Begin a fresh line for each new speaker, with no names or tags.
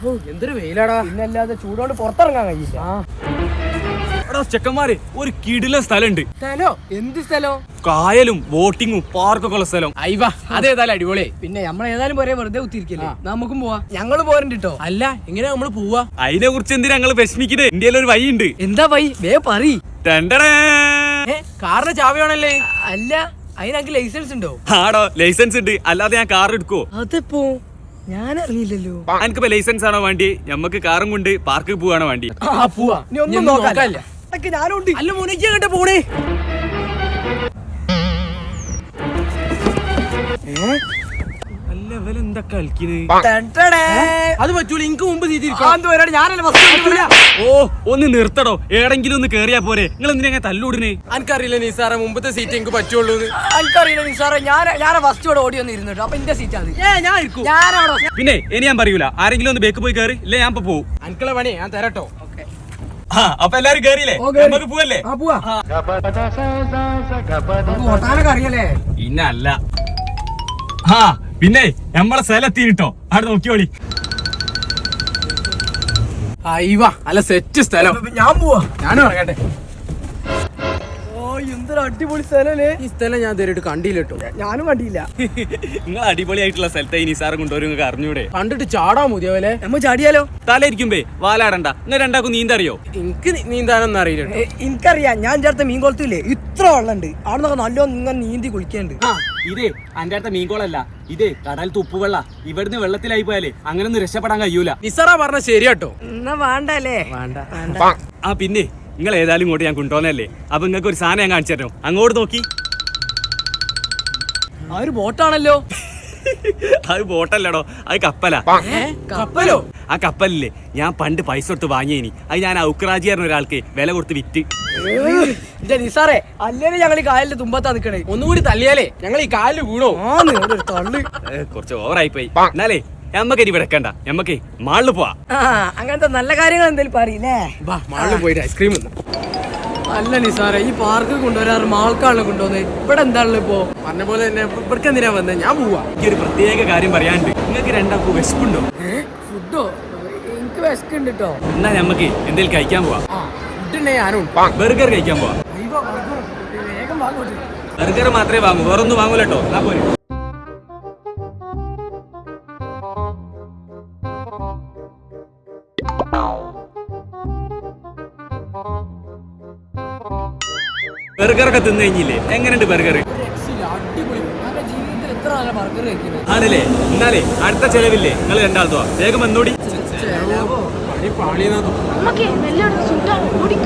എന്തൊരു വെയിലാടാ.
പിന്നല്ലാതെ ചൂടോണ്ട് പുറത്തിറങ്ങാൻ കഴിയില്ല.
ചെക്കന്മാര് ഒരു കിടില സ്ഥലമുണ്ട്.
സ്ഥലോ? എന്ത് സ്ഥലോ?
കായലും ബോട്ടിങ്ങും പാർക്കൊക്കെ ഉള്ള സ്ഥലം.
അയ്യ അതേതായാലും അടിപൊളി.
പിന്നെ നമ്മളേതായാലും പോരെ വെറുതെ കുത്തിരിക്കില്ലേ, നമുക്കും പോവാ. ഞങ്ങള് പോരണ്ട് കേട്ടോ.
അല്ല എങ്ങനെ നമ്മള് പോവാ?
അതിനെ കുറിച്ച് എന്തിനാ ഞങ്ങള് വിഷമിക്കുന്നത്? ഇന്ത്യയിൽ ഒരു വഴിയുണ്ട്.
എന്താ വൈ വേ പറീ.
കാറിന്റെ ചാവിയാണല്ലേ?
അല്ല അതിനക്ക് ലൈസൻസ് ഉണ്ടോ?
ആടോ ലൈസൻസ് ഉണ്ട്, അല്ലാതെ ഞാൻ കാർ എടുക്കോ?
അതിപ്പോ ഞാൻ അറിയില്ലല്ലോ.
എനിക്കിപ്പോ ലൈസൻസ് ആണോ വേണ്ടി? ഞമ്മക്ക് കാറും കൊണ്ട് പാർക്കിൽ പോവാണോ വേണ്ടി?
പോവാ. നീ ഒന്നും നോക്കാനില്ല. ഞാനുണ്ട്.
അല്ല മുനിക്ക് അങ്ങോട്ട് പോണേ. അത് പറ്റൂല, എനിക്ക് മുമ്പ്
ഓ ഒന്ന് നിർത്തടോ, ഏടെങ്കിലും ഒന്ന് കേറിയാ പോരെ. നിങ്ങൾ എന്തിനാ തല്ലൂടിനെ?
എനിക്കറിയില്ല നിസാറെ, മുമ്പത്തെ സീറ്റ് എനിക്ക് പറ്റുള്ളൂ.
എനിക്കറിയില്ല നിസാറെ, ഞാൻ ഫസ്റ്റ് ഇവിടെ ഓടി വന്ന് ഇരുന്നിട്ടോ. അപ്പൊ എന്റെ സീറ്റ് അത്
ഞാൻ ഇരിക്കും.
പിന്നെ ഇനി ഞാൻ പറയൂല, ആരെങ്കിലും ഒന്ന് ബേക്ക് പോയി കയറി, ഇല്ല ഞാൻ ഇപ്പൊ പോവും.
എനിക്കുള്ള പണി ഞാൻ തരട്ടോ.
അപ്പൊ എല്ലാരും കേറിയില്ലേ? നമുക്ക് പോവല്ലേ?
ഓട്ടാനൊക്കെ അറിയല്ലേ?
ഇന്നല്ല. പിന്നെ നമ്മളെ സ്ഥലത്തിട്ടോ, അവിടെ നോക്കിയോളി.
അയ്യ അല്ല സെറ്റ് സ്ഥലം.
ഞാൻ പോവാ.
ഞാനും ഇറങ്ങട്ടെ.
എന്തൊരു അടിപൊളി സ്ഥലല്ലേ.
ഈ സ്ഥലം ഞാൻ ഇതുവരെയായിട്ട് കണ്ടില്ല കേട്ടോ.
ഞാനും കണ്ടില്ല.
നിങ്ങൾ അടിപൊളിയായിട്ടുള്ള സ്ഥലത്തെ ഇനി സാറ് കൊണ്ടുവരും, നിങ്ങൾക്ക് അറിഞ്ഞൂടെ?
കണ്ടിട്ട് ചാടാൻ മതിയാവല്ലേ?
നമ്മ ചാടിയാലോ?
തലയിരിക്കുമ്പേ വാലാടണ്ട. നിങ്ങൾ രണ്ടാക്കും നീന്തറിയോ?
എനിക്ക് നീന്താനൊന്നും അറിയില്ല.
എനിക്കറിയാം. ഞാൻ ചേർത്ത മീൻ കുളത്തില്ലേ, ഇത്ര വെള്ളമുണ്ട്. അവിടെ നിന്നൊക്കെ നല്ലോണം ഇങ്ങനെ നീന്തി കുളിക്കാണ്ട്.
ഇതേ അന്റെ അടുത്ത മീൻകോളല്ല, ഇതേ കടൽ തുപ്പുവെള്ള. ഇവിടുന്ന് വെള്ളത്തിലായി പോയാലേ അങ്ങനൊന്നും രക്ഷപ്പെടാൻ കഴിയൂല.
നിസാറാ പറഞ്ഞ ശരിയാട്ടോ.
എന്നാ വേണ്ടല്ലേ?
വേണ്ട.
പിന്നെ നിങ്ങൾ ഏതായാലും ഇങ്ങോട്ട് ഞാൻ കൊണ്ടുപോകുന്നല്ലേ. അപ്പൊ നിങ്ങൾക്ക് ഒരു സാധനം ഞാൻ കാണിച്ചു തരണം. അങ്ങോട്ട് നോക്കി.
ആ ഒരു ബോട്ടാണല്ലോ.
അത് ബോട്ടല്ലടോ, അത് കപ്പലാ.
കപ്പലോ?
ആ കപ്പലില്ലേ, ഞാൻ പണ്ട് പൈസ കൊടുത്ത് വാങ്ങിയേനി. അത് ഞാൻ ഔക്രാജി പറഞ്ഞ ഒരാൾക്ക് വില കൊടുത്ത് വിറ്റ്.
നിസാറേ, അല്ലേ ഞങ്ങൾ ഈ കായലിന്റെ തുമ്പത്താ നിക്കണേ.
ഒന്നുകൂടി തള്ളിയാലേ ഞങ്ങൾ ഈ കാലിൽ വീണോ?
തള്ളു.
കുറച്ച് ഓവറായി പോയി. എന്നാലേ ഞമ്മക്ക് ഇനി വിടക്കണ്ട, ഞമ്മക്ക് മാളിൽ പോവാ.
അങ്ങനത്തെ നല്ല കാര്യങ്ങൾ എന്തെങ്കിലും പറയില്ലേ?
മാളിൽ പോയിട്ട് ഐസ്ക്രീം.
അല്ല നിസാറേ, ഈ പാർക്ക് കൊണ്ടുവരാറ് മാൾക്കാണല്ലോ കൊണ്ടുവന്നത്. ഇവിടെ എന്താണല്ലോ ഇപ്പോ?
പറഞ്ഞ പോലെ തന്നെ ഇവിടേക്ക് എന്തിനാ വന്നത്? ഞാൻ പോവാ.
ഈ ഒരു പ്രത്യേക കാര്യം പറയാണ്ട്, നിങ്ങൾക്ക് രണ്ടാക്കും വിശപ്പുണ്ടോ?
ഫുഡോ? എനിക്ക് വിശക്കുണ്ട് കേട്ടോ.
എന്നാ ഞമ്മക്ക് എന്തേലും കഴിക്കാൻ പോവാ.
ഫുഡ് ഞാനും
ബർഗർ കഴിക്കാൻ പോവാ.
വേഗം വാങ്ങോട്ട്.
ബർഗർ മാത്രമേ വാങ്ങൂ, വേറൊന്നും വാങ്ങൂലട്ടോ. എന്നാ പോരെ. ബർഗറൊക്കെ തിന്നു കഴിഞ്ഞില്ലേ? എങ്ങനെയുണ്ട് ബർഗർ?
അടിപൊളി. ജീവിതത്തിൽ എത്ര നല്ല ബർഗർ കഴിക്കുന്നത്
ആണല്ലേ? എന്നാലേ അടുത്ത ചെലവില്ലേ, നിങ്ങൾ രണ്ടാളത്തോ വേഗം വന്നോടി.
പാളിയെന്നാ
നമുക്ക് എല്ലായിടത്തും സുട്ടാണ് ഓടി